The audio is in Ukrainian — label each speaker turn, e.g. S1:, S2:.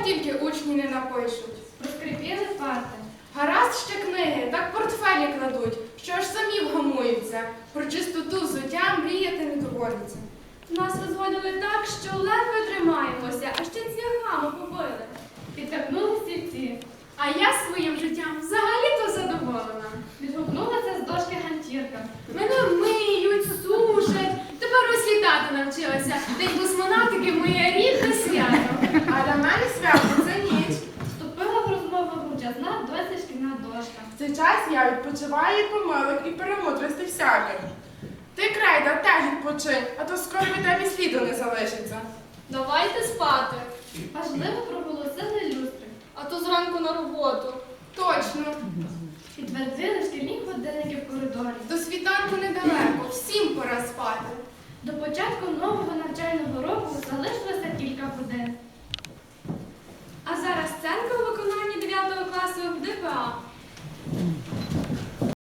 S1: тільки учні не напишуть.
S2: Розкріпіли парти.
S1: Гаразд ще книги, так портфелі кладуть, що аж самі вгамуються. Про чистоту взуття мріяти не доводиться.
S2: Нас розводили так, що ледве тримаємося, а ще цвяхами побили. Підтягнули стільці.
S3: А я своїм життям взагалі-то задоволена.
S2: Відгукнулася з дошки ганчірка.
S3: Мене миють, сушать. Тепер ось літати навчилася. День космонавтики моє рідне свято.
S1: А для мене свято це ніч.
S2: Вступила в розмову мовчазна досить шкільна дошка.
S1: В цей час я відпочиваю від помилок і перемудрості всяких. Ти, Крейда, теж відпочинь, а то скоро від тебе і сліду не залишиться.
S3: Давайте спати.
S2: Важливо проголосили люстри.
S3: А то зранку на роботу.
S1: Точно.
S2: Підтвердили шкільні годинники в коридорі.
S1: До світанку недалеко, всім пора спати.
S2: До початку нового навчального року залишилося кілька годин.
S3: А зараз сценка у виконанні 9 класу ДПА.